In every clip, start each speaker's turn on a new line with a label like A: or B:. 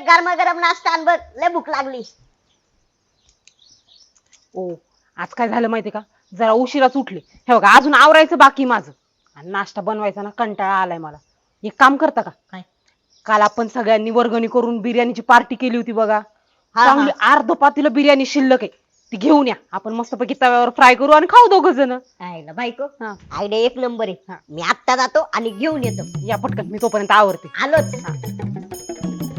A: गरमागरम नाश्ता आण बघ, लय भूक लागली.
B: ओ आज काय झालं माहितीये का, जरा उशिराच उठले. हे बघा अजून आवरायचं बाकी माझं, आणि नाश्ता बनवायचा ना कंटाळा आलाय मला. एक काम करता का?
A: काय?
B: काल आपण सगळ्यांनी वर्गणी करून बिर्याणीची पार्टी केली होती बघा.
A: हा,
B: चांगली अर्ध पातेलं बिर्याणी शिल्लक आहे, ती घेऊन या. आपण मस्तपैकी तव्यावर फ्राय करू आणि खाऊ दोघ जण.
A: आयला बायको,
B: हा.
A: आयडिया एक नंबर आहे. मी आत्ता जातो आणि घेऊन येतो.
B: या पटकन, मी तोपर्यंत आवरते.
A: आलोच.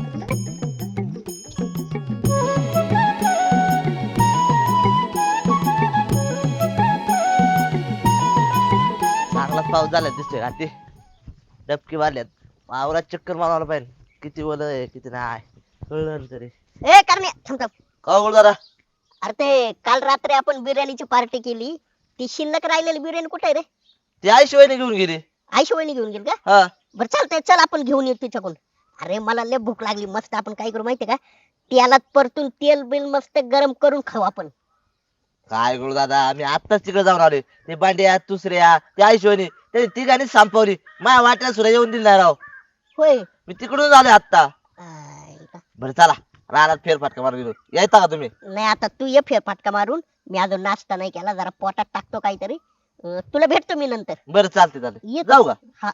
C: चांगलाच पाऊस झाला दिसतोय ना. ते डबकी मारल्यात, वावरात चक्कर मारायला पाहिजे. किती ओलं आहे किती नाही कळलं ना तरी.
A: ए करण्या, थांब थांब.
C: का बोल दादा?
A: अरे ते काल रात्री आपण बिर्याणीची पार्टी केली, ती शिल्लक राहिलेली बिर्याणी कुठे आहे रे?
C: ती आई शिवायने घेऊन गेली.
A: आईशिवायने घेऊन गेली का?
C: हा
A: बरं चालतंय, चल आपण घेऊन येऊ तिच्याकडून. अरे मला लय भूक लागली. मस्त आपण काय करू माहितीये का, तेलात परतून तेल बिल मस्त गरम करून खाऊ आपण.
C: काय करू दादा, आम्ही आत्ताच तिकडे जाऊन आलोय. ते बांड्या दुसऱ्या ते आई शिवायने त्याने तिघांनीच संपवली. माझ्या वाट्याला सुद्धा येऊन दिली नाही राव.
A: होय.
C: मी तिकडून आलोय आत्ता.
A: आयला.
C: बरं चला रानात फेरफटका मारून गेलो. यायचा का तुम्ही?
A: नाही आता तू ये फेरफटका मारून. मी अजून नाश्ता नाही केला, जरा पोटात टाकतो काहीतरी. तुला भेटतो मी नंतर.
C: बरं चालते चालते.
A: ये
C: जाऊ का?
A: हा.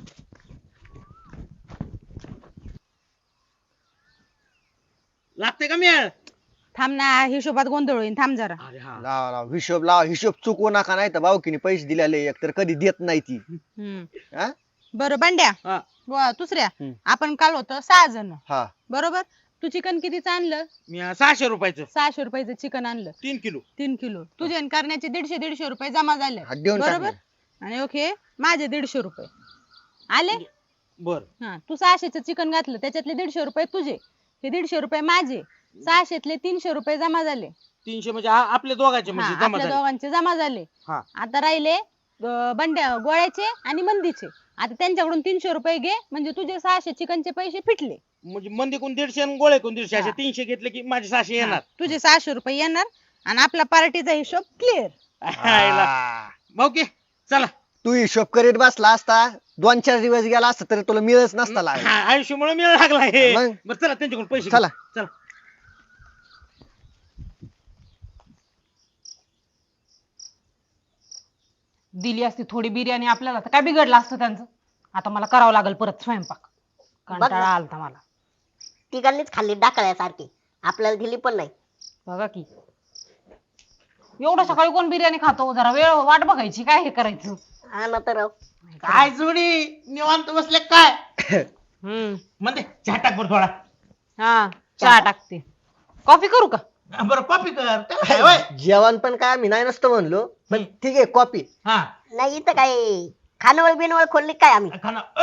D: लागते का मेळ?
B: थांब ना, हिशोबात गोंधळ होईल, थांब जरा.
D: अरे हा.
E: लावा लावा हिशोब लावा. हिशोब चुकवू नका, नाही तर भाऊकीने पैसे दिलेले एक तर कधी देत नाही ती. हा?
F: बरं बंड्या,
D: हा.
F: दुसऱ्या
E: हम्म.
F: आपण काल होतो 6 जण
E: हा
F: बरोबर. तू चिकन कितीचं आणलं?
D: मी 600 रुपयाचं
F: 600 रुपयाचं चिकन आणलं,
D: 3 किलो.
F: 3 किलो. तुझे आणि करण्याचे 150 रुपये जमा झाले
E: हा, देऊन
F: बरोबर.
E: टाकले.
F: आणि ओके माझे 150 रुपये आले.
D: बर
F: हा, तू 600चं चिकन घातलं, त्याच्यातले 150 रुपये तुझे, हे 150 रुपये माझे. 600तले 300 रुपये जमा झाले.
D: 300 म्हणजे आपल्या दोघांचे म्हणजे
F: हा,
D: जमा
F: आपल्या
D: झाले.
F: दोघांचे जमा झाले.
D: हा.
F: आता राहिले बंड्या गोळ्याचे आणि मंदीचे. आता त्यांच्याकडून 300 रुपये घे, म्हणजे तुझे 600 चिकनचे पैसे फिटले.
D: म्हणजे मंदीकून 150 आणि गोळ्याकून 150 असे
F: हा.
D: 300 घेतले की माझे 600
F: हा,
D: येणार.
F: तुझे 600 रुपये येणार आणि आपला पार्टीचा हिशोब क्लिअर.
D: हायला. भाऊ की चला.
E: तू हिशोब करीत बसला असता 2-4 दिवस गेला असता तरी तुला मिळच नसता लागला.
D: हा, आयुष्यामुळे मिळ लागला हे.
E: मग?
D: बरं चला त्यांच्याकडून पैसे घेऊ.
E: चला.
D: चला.
B: दिली असती थोडी बिर्याणी आपल्याला, तर काय बिघडलं असतं त्यांचं. आता मला करावं लागेल परत स्वयंपाक, कंटाळा आलता मला.
A: तिघांनीच खाल्ली डाकळ्यासारखी, आपल्याला दिली पण नाही.
B: बघा की, एवढं सकाळी कोण बिर्याणी खातो? जरा वेळ वाट बघायची, काय हे करायचं.
A: हा ना तर.
D: काय जोडी निवांत बसले काय?
B: हम्म.
D: म्हणजे चहा टाक बरं थोडा.
B: हा, चहा टाकते. कॉफी करू का?
D: बरं कॉपी कर. त्याला काय होय?
E: जेवण पण काय आम्ही नाही नसतं म्हणलो, पण ठीक आहे कॉपी.
D: हा.
A: नाही इथं काय खानवळ बिनवळ खोलली काय आम्ही?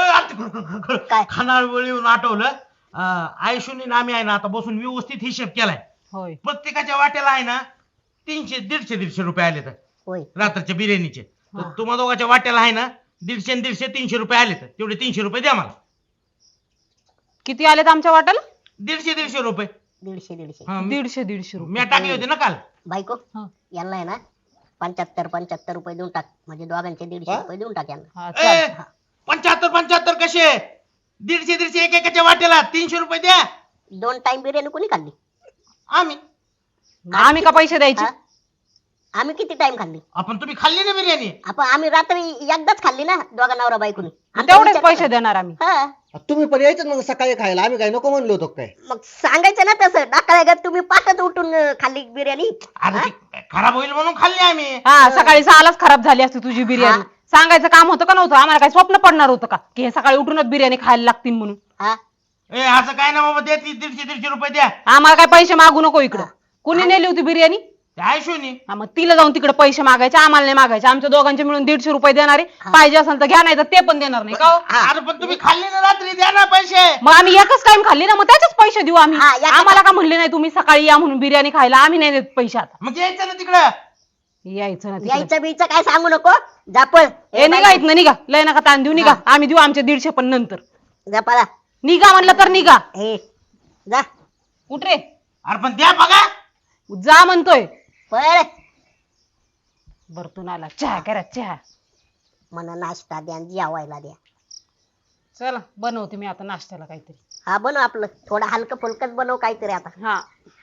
A: काय?
D: खानावळ येऊन आठवलं. आयुष्यूने आम्ही आहे ना आता बसून व्यवस्थित हिशेब केलाय.
B: होय.
D: प्रत्येकाच्या वाट्याला आहे ना 300 150 रुपये आले तर
A: होय.
D: रात्रीच्या बिर्याणीचे. तर
B: हा.
D: तुम्हा दोघांच्या वाट्याला आहे ना 150 आणि 150 300 रुपये आले तर तेवढे 300 रुपये द्या मला.
B: किती आलेत आमच्या वाट्याला?
D: 150 रुपये.
A: 150
D: हा,
B: 150
D: मी
B: रुपये.
D: टाकले होते ना काल.
A: बायको,
B: हा.
A: यांना आहे ना 75 रुपये देऊन टाक, म्हणजे दोघांचे 150
E: हा?
A: रुपये देऊन टाक यांना.
B: हा,
D: ए,
B: चाल.
D: 75 कसे? 150 एकेकाच्या वाट्याला 300 रुपये द्या.
A: 2 टाइम बिर्याणी कोणी खाल्ली?
D: आम्ही
B: आम्ही का पैसे द्यायचे?
A: हा? आम्ही किती टाइम खाल्ली?
D: आपण तुम्ही खाल्ली ना बिर्याणी?
A: आपण आम्ही रात्री एकदाच खाल्ली ना, दोघा नवरा बायकोनी. आमचा
B: तेवढेच
A: विचार
B: पैसे
A: करा.
B: देणार आम्ही.
A: हा.
E: तुम्ही पण यायचं मग सकाळी खायला, आम्ही काय नको म्हणलो होतो काय.
A: मग सांगायचं ना तसं, डाकळ्या तुम्ही पाठच उठून खाल्ली बिर्याणी.
D: अरे ती खराब होईल म्हणून खाल्ली आम्ही.
B: हा, सकाळी 6लाच खराब झाली असती तुझी बिर्याणी. सांगायचं काम होतं का नव्हतं? आम्हाला काय स्वप्न पडणार होतं का की हे सकाळी उठूनच बिर्याणी खायला लागतील म्हणून?
A: हा.
D: ए असं काय ना बाबा, द्या 150 रुपये द्या.
B: आम्हाला काय पैसे मागू नको इकडं. कुणी नेली होती बिर्याणी?
D: त्या आयुष्यूनी.
B: हा, मग तिला जाऊन तिकडे पैसे मागायचे, आम्हाला नाही मागायचे. आमच्या दोघांचे मिळून 150 रुपये देणारे. पाहिजे असेल तर घ्या, नाही तर ते पण देणार नाही का हो?
D: अरे पण तुम्ही खाल्ली ना रात्री, द्या ना पैसे.
B: मग आम्ही एकच टाइम खाल्ली ना, मग त्याचेच पैसे देऊ आम्ही.
A: हा, एका-
B: आम्हाला का म्हणले नाही तुम्ही सकाळी या म्हणून बिर्याणी खायला? आम्ही नाही देत पैसे आता.
D: मग यायचं ना तिकडं.
B: यायचं ना तिकडे.
A: यायचं बीचं काय सांगू नको. जापळ
B: ए निघा इथनं, निघा. लय नका ताण देऊ, निघा. आम्ही देऊ आमचे 150 पण नंतर.
A: जापाला.
B: निघा म्हणलं तर निघा.
A: हे जा
B: उठ रे,
D: अरे पण द्या बघा.
B: जा म्हणतोय.
A: पळ.
B: बरतून आला, चहा करा चहा.
A: मला नाश्ता द्या आणि जेवायला द्या.
B: चला बनवते मी आता नाश्त्याला काहीतरी.
A: हा बनव आपलं थोडं हलकं फुलकच बनव काहीतरी आता.
B: हा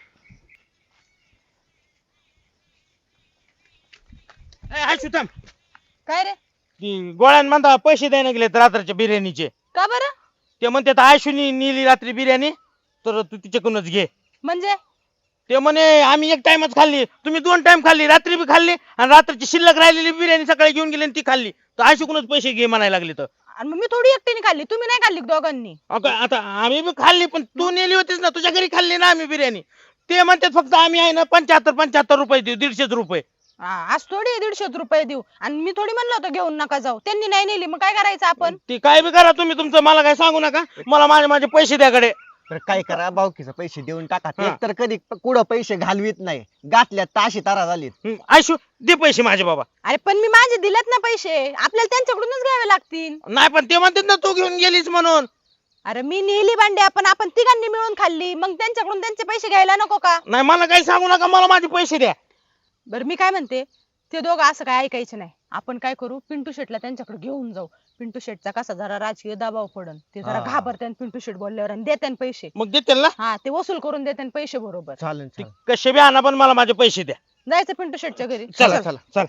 D: आयशू थांब.
F: काय रे?
D: ती गोळ्यांमध्ये पैसे द्यायला गेलेत रात्रीच्या बिर्याणीचे.
F: का बरं?
D: ते म्हणतात आयशूनी नेली रात्री बिर्याणी तर तू तिच्याकडूनच घे.
F: म्हणजे
D: ते म्हणे आम्ही एक टाइमच खाल्ली, तुम्ही 2 टाइम खाल्ली, रात्री बी खाल्ली आणि रात्रीची शिल्लक राहिलेली बिर्याणी सकाळी घेऊन गेली आणि ती खाल्ली, तर आयशूकडूनच पैसे घे म्हणायला लागले. तर
F: आणि मग मी थोडी एकटीने खाल्ली, तुम्ही नाही खाल्ली का दोघांनी?
D: आता आम्ही बी खाल्ली पण तू नेली होतीस ना, तुझ्या घरी खाल्ली ना आम्ही बिर्याणी. ते म्हणतात फक्त आम्ही आहे ना 75 रुपये देऊ, 150 रुपये.
F: आज थोडी 150 रुपये देऊ आणि मी थोडी म्हणलं होतं घेऊन नका जाऊ, त्यांनी नाही नेली मग काय करायचं आपण?
D: ती काय बी करा तुम्ही तुमचं, मला काय सांगू नका. मला माझे पैसे द्याकडे.
E: तर काय करा भाऊकीचे पैसे देऊन टाका.
D: हा.
E: एक तर कधी कुठं पैसे घालवीत नाही, गाठल्यात ताशी तारा झालीत.
D: आयशू दे पैसे माझे बाबा.
F: अरे पण मी माझे दिलेत ना पैसे, आपल्याला त्यांच्याकडूनच घ्यावे लागतील.
D: नाही पण ते म्हणतात ना तू घेऊन गेलीस म्हणून.
F: अरे मी नेली भांड्या पण आपण तिघांनी मिळून खाल्ली, मग त्यांच्याकडून त्यांचे पैसे घ्यायला नको का?
D: नाही मला काही सांगू नका, मला माझे पैसे द्या.
F: बरं मी काय म्हणते, ते दोघं असं काय ऐकायचं नाही. आपण काय करू, पिंटू शेटला त्यांच्याकडे घेऊन जाऊ. पिंटू शेटचा कसा जरा राजकीय दबाव पडन, ते जरा
E: हा.
F: घाबरते पिंटू शेट बोलल्यावर आणि देते पैसे.
D: मग देतील ना.
F: हा ते वसूल करून देते पैसे बरोबर.
E: चालेल
D: ती कसे बी आणा पण मला माझे पैसे द्या.
F: जायचं पिंटू शेटच्या घरी.
D: चला चला चला.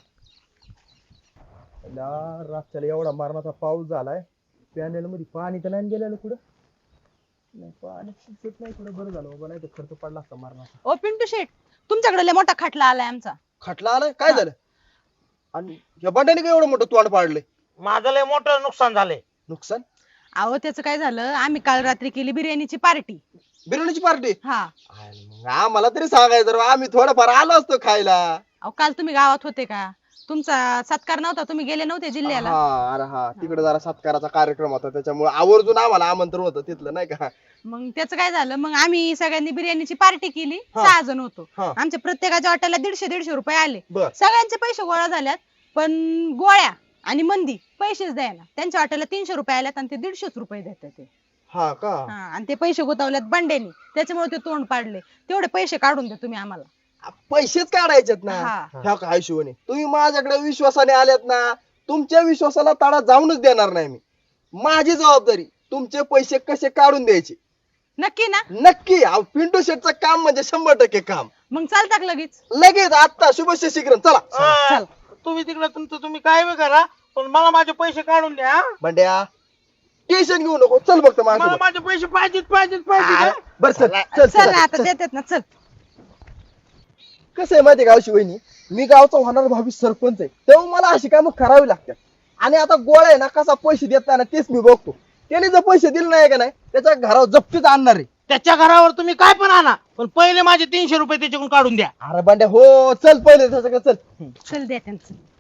G: रातच्याला एवढा मारणाचा पाऊस झालाय, पॅनेल मध्ये पाणी तर नाही गेलेलं कुठं. नाही पाणी सुटत नाही कुठं. बरं झालं बाबा, नाही तर खर्च पडला असता मारणाचा.
F: ओ पिंटू शेट, तुमच्याकडे लय मोठा खटला आलाय आमचा.
G: खटला आलाय काय झालं? आणि या बंड्याने काय एवढं मोठं तोंड पाडलंय?
D: माझं लय मोठं नुकसान झालंय.
G: नुकसान?
F: अहो त्याचं काय झालं, आम्ही काल रात्री केली बिर्याणीची पार्टी.
G: बिर्याणीची पार्टी?
F: हा
G: आम्हाला तरी सांगायचं रे, आम्ही थोडंफार आलो असतो खायला.
F: अहो काल तुम्ही गावात होते का? तुमचा सत्कार नव्हता, तुम्ही गेले नव्हते जिल्ह्याला.
G: हा अरे हा, तिकडे जरा सत्काराचा कार्यक्रम होता, त्याच्यामुळे आवर्जून आम्हाला आमंत्रण होतं तिथलं नाही का.
F: मग त्याचं काय झालं, मग आम्ही सगळ्यांनी बिर्याणीची पार्टी केली.
G: हा.
F: 6 जण होतो.
G: हा.
F: आमच्या प्रत्येकाच्या वाट्याला 150 रुपये आले.
G: बर.
F: सगळ्यांचे पैसे गोळा झाल्यात, पण गोळ्या आणि मंदी पैसेच द्यायला. त्यांच्या वाट्याला 300 रुपये आल्यात आणि ते 150 रुपये देतात ते.
G: हा का?
F: हा, आणि ते पैसे गुतावल्यात बंड्यानी, त्याच्यामुळे ते तोंड पाडले. तेवढे पैसे काढून द्या तुम्ही आम्हाला.
G: पैसेच काढायचेत ना.
F: हा.
G: ह्या काय शिवणे, तुम्ही माझ्याकडे विश्वासाने आल्यात ना, तुमच्या विश्वासाला तडा जाऊनच देणार नाही मी. माझी जबाबदारी तुमचे पैसे कसे काढून द्यायचे.
F: नक्की ना?
G: नक्की. अहो, पिंटू शेटचं काम म्हणजे 100% काम.
F: मग चालतात लगेच.
G: लगेच आता शुभस्य शीघ्र चला.
D: आ, तुम्ही तिकडे तुमचं तुम्ही काय बी करा पण मला माझे पैसे काढून द्या. हा?
G: बंड्या टेन्शन घेऊ नको, चल बघतो
D: मला
G: माझ्यासोबत.
D: माझे पैसे पाहिजेत.
G: बर चल चल
F: चल ना आता देतात ना, चल.
G: कसं आहे माहितीये का शिवणी, मी गावचा होणारा भावी सरपंच आहे, तेव्हा मला अशी कामं करावी लागतात. आणि आता गोळा आहे ना कसा पैसे देत नाही ना तेच मी बघतो. त्याने जर पैसे दिले नाही का नाही, त्याच्या घरावर जप्तीच आणणार आहे.
D: त्याच्या घरावर तुम्ही काय पण आणा पण पहिले माझे 300 रुपये त्याच्याकडून काढून द्या.
G: अरे बंड्या हो, चल पहिले त्याच्याकडे चल.
F: चल देतात.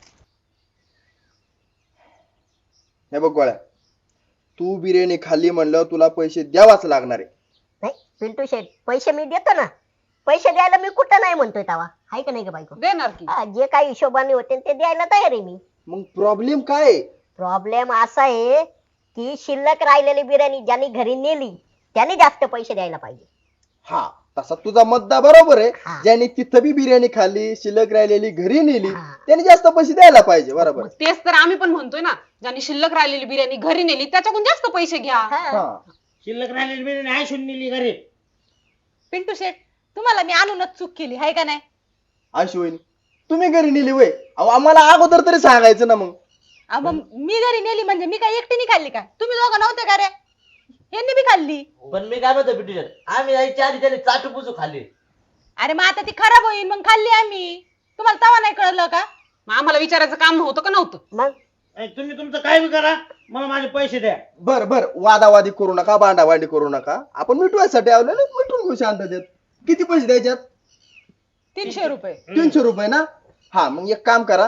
G: हे बघ गोळ्या, तू बिर्याणी खाल्ली म्हणलं तुला पैसे द्यावाच लागणार आहे.
A: नाही पिंटू शेट, पैसे मी देतो ना. पैसे द्यायला मी कुठं नाही म्हणतोय तवा, हाय का नाही का बायको?
B: देणार की.
A: हा, जे काही हिशोबाने होते ते द्यायला तयार आहे मी.
G: मग प्रॉब्लेम काय आहे?
A: प्रॉब्लेम असा आहे की शिल्लक राहिलेली बिर्याणी ज्यांनी घरी नेली त्याने जास्त पैसे द्यायला पाहिजे.
G: हा, तसा तुझा मुद्दा बरोबर आहे.
A: हा.
G: ज्याने तिथं बी बिर्याणी खाल्ली, शिल्लक राहिलेली घरी नेली,
A: हा.
G: त्याने जास्त पैसे द्यायला पाहिजे. बरोबर.
B: मग तेच तर आम्ही पण म्हणतोय ना, ज्यांनी शिल्लक राहिलेली बिर्याणी घरी नेली त्याच्याकडून जास्त पैसे घ्या.
A: हा.
G: हा.
D: शिल्लक राहिलेली बिर्याणी आयशून नेली घरी.
F: पिंटू शेट, तुम्हाला मी आणूनच चूक केली हाय का नाही?
G: अशी होईन तुम्ही घरी नेली वय, अहो आम्हाला अगोदर तरी सांगायचं ना. मग
F: मग मी घरी नेली म्हणजे मी काय एकटीने खाल्ली का? तुम्ही दोघं नव्हते का रे? यांनी बी खाल्ली.
C: पण मी काय म्हणतो पिंटू शेट, आम्ही यायच्या आधी त्याने चाटूपुचू खाल्ली.
F: अरे मग आता ती खराब होईल मग खाल्ली आम्ही. तुम्हाला तवा नाही कळलं का?
B: मग आम्हाला विचारायचं काम नव्हतं का? नव्हतं.
A: मग
D: तुम्ही तुमचं काय बी करा मला माझे पैसे द्या.
G: बर बर, वादावादी करू नका, भांडाभांडी करू नका. आपण मिटवायसाठी आलो ना, मिटून घेऊ शांततेत. किती पैसे द्यायच्यात?
F: 300 रुपये.
G: 300 रुपये ना. हा मग एक काम करा,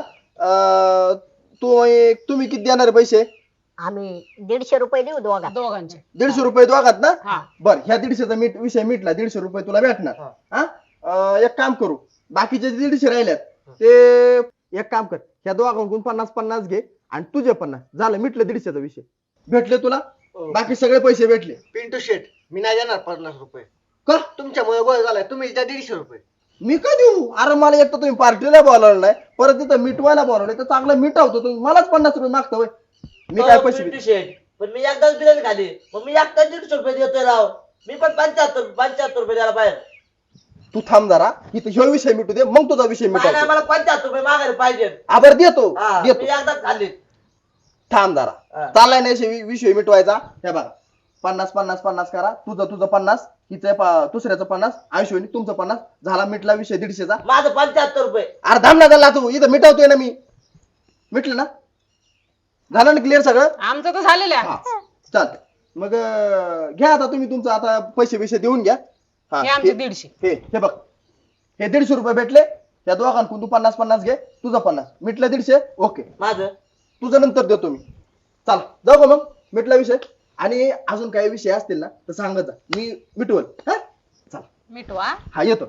G: तुम्ही किती देणार पैसे?
A: आम्ही 150 रुपये देऊ दोघा.
B: दोघांचे.
G: 150 रुपये दोघात ना.
B: हा.
G: बर, ह्या 150चा विषय मिटला. 150 रुपये तुला भेटणार. हा, एक काम करू, बाकीचे 150 राहिल्यात ते एक काम कर, ह्या दोघांकडून 50-50 घे आणि तुझे 50 झालं, मिटलं 150चा विषय. भेटले तुला बाकी सगळे पैसे भेटले.
E: पिंटू शेट, मी नाही देणार 50 रुपये.
G: का?
E: तुमच्यामुळे गोळ झालाय, तुम्ही द्या 150 रुपये.
G: मी का देऊ? अरे मला एक तर तुम्ही पार्टीला बोलावलं नाही, परत तिथं मिटवायला बोलावलं, तर चांगलं मिटावतो तुम्ही, मलाच 50 रुपये मागता होय. मी काय पैसे
C: पिंटू शेट, पण मी एकदाच बिर्याणी खाल्ली, मग मी एकदा 150 रुपये देतोय राव. मी पण 75 रुपये द्यायला पाहिजे.
G: तू थांब जरा इथं ह्यो विषय मिटू दे मग तुझा विषय
C: नाही नाही,
G: मिटायचा
C: मला 75 रुपये मागायला पाहिजे.
G: आबर देतो
C: हा,
G: देतो
C: मी एकदाच खाल्ली.
G: थांब जरा
C: हा.
G: चाललाय नाही विषय मिटवायचा. हे बघा 50 करा. तुझं 50, हिचं दुसऱ्याचं 50, आयुष्यनी तुमचं 50 झाला मिटला विषय 150चा.
C: माझं 75 रुपये.
G: अरे थांब ना झाला तू इथं मिटवतोय ना मी. मिटलं ना झालं ना क्लिअर सगळं.
B: आमचं तर झालेलं आहे.
G: हा चालतंय मग घ्या आता तुम्ही तुमचं आता पैसे देऊन घ्या. हा,
B: हे आमचे 150.
G: हे बघ हे 150 रुपये भेटले त्या दोघांकडून तू 50 घे. तुझं 50 मिटलं 150. ओके
C: माझं
G: तुझं नंतर देतो मी. चल जाऊ का मग मिटला विषय. आणि अजून काही विषय असतील ना तर सांगत जा मी मिटवल. हा चल
F: मिटवा.
G: हा येतो.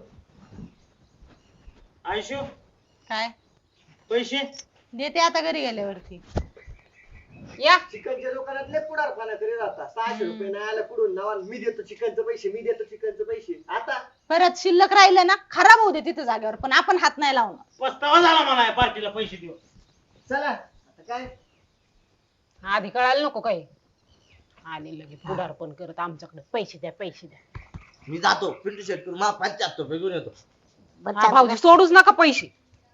D: आयशू
F: काय
D: पैसे
F: देते आता घरी गेल्यावरती.
B: या
E: चिकनच्या दुकानात लय पुढारपणा करीत आता. 600 रुपये नाही आला पुढून नावा मी देतो चिकनचे पैसे मी देतो चिकनचे पैसे. आता
F: परत शिल्लक राहिलं ना खराब होऊ दे तिथं जागेवर पण आपण हात नाही लावणार.
D: पस्तावा झाला मला या पार्टीला पैसे देऊन.
E: चला आता काय
B: आधी कळायला नको काही. आले लगे पुढारपण करत आमच्याकडे पैसे द्या.
C: मी जातो पिंटू शेट करून मला 75 रुपये घेऊन येतो.
A: बरं,
B: हा,
A: चालतं
B: भाऊजी
A: का?
B: सोडूच नका पैसे.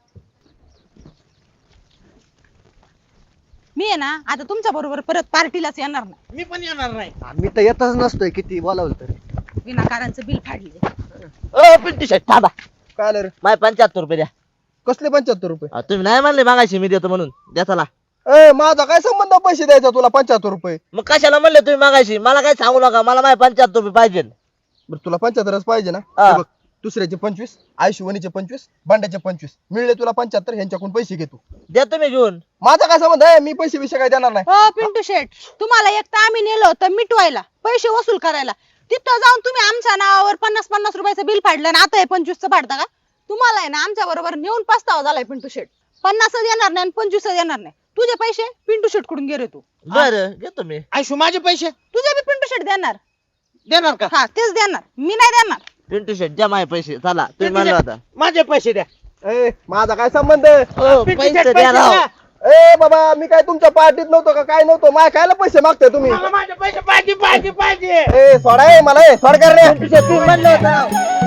F: मी आहे ना आता तुमच्या बरोबर परत पार्टीलाच येणार नाही.
D: मी पण येणार नाही.
E: मी तर येतच नसतोय किती बोलावलं तरी.
F: विनाकारांचं बिल फाडले.
C: ओ पिंटू शेट थांबा.
G: काय आलं रे
C: माझे 75 रुपये द्या.
G: कसले 75 रुपये.
C: तुम्ही नाही म्हणले मागायची मी देतो म्हणून. द्या चला.
G: ए माझा काय संबंध पैसे द्यायचा तुला 75 रुपये.
C: मग कशाला म्हणले तुम्ही मागायची. मला काय सांगू नका. मला माझे 75 रुपये पाहिजे.
G: बरं तुला 75च पाहिजे ना.
C: हा.
G: हे बघ दुसऱ्याचे 25 आयुष्यवणीचे 25 भांड्याचे 25 मिळले तुला 75 ह्यांच्याकडून पैसे घेतो.
C: द्या तुम्ही घेऊन.
G: माझा काय संबंध आहे मी पैसे विषय काय देणार नाही.
F: हो पिंटू शेठ तुम्हाला एक तर आम्ही नेलो होतं मिटवायला पैसे वसूल करायला. तिथं जाऊन तुम्ही आमच्या नावावर 50 रुपयाचं बिल फाडलं आणि आता हे 25चं फाडता का. तुम्हाला आहे ना आमच्या बरोबर नेऊन पस्तावा झालाय पिंटू शेठ. 50 देणार नाही आणि 25 देणार नाही. तुझे पैसे पिंटू शेठ कडून गेले तू.
C: बरं घेतो मी.
D: आयशू माझे पैसे
F: तुझे बी पिंटू शेठ देणार.
D: देणार का.
F: हा तेच देणार मी नाही देणार.
C: पिंटू शेट द्या माझे पैसे. चला तुम्ही
D: पिंटू
C: म्हणलं
D: शेट,
C: होता.
D: माझे पैसे द्या.
G: ए माझा काय संबंध.
C: ओ,
D: पिंटू
C: पैसे
D: शेट,
C: द्या राव.
D: द्या.
G: ए बाबा मी काय तुमच्या पार्टीत नव्हतो का काय नव्हतो. माझ्या कायला पैसे मागताय तुम्ही.
D: मला माझे पैसे पाहिजे.
G: ए सोडा ए मला ए सोड कर रे.
C: पिंटू शेट तुम्ही म्हणलं होतं राव.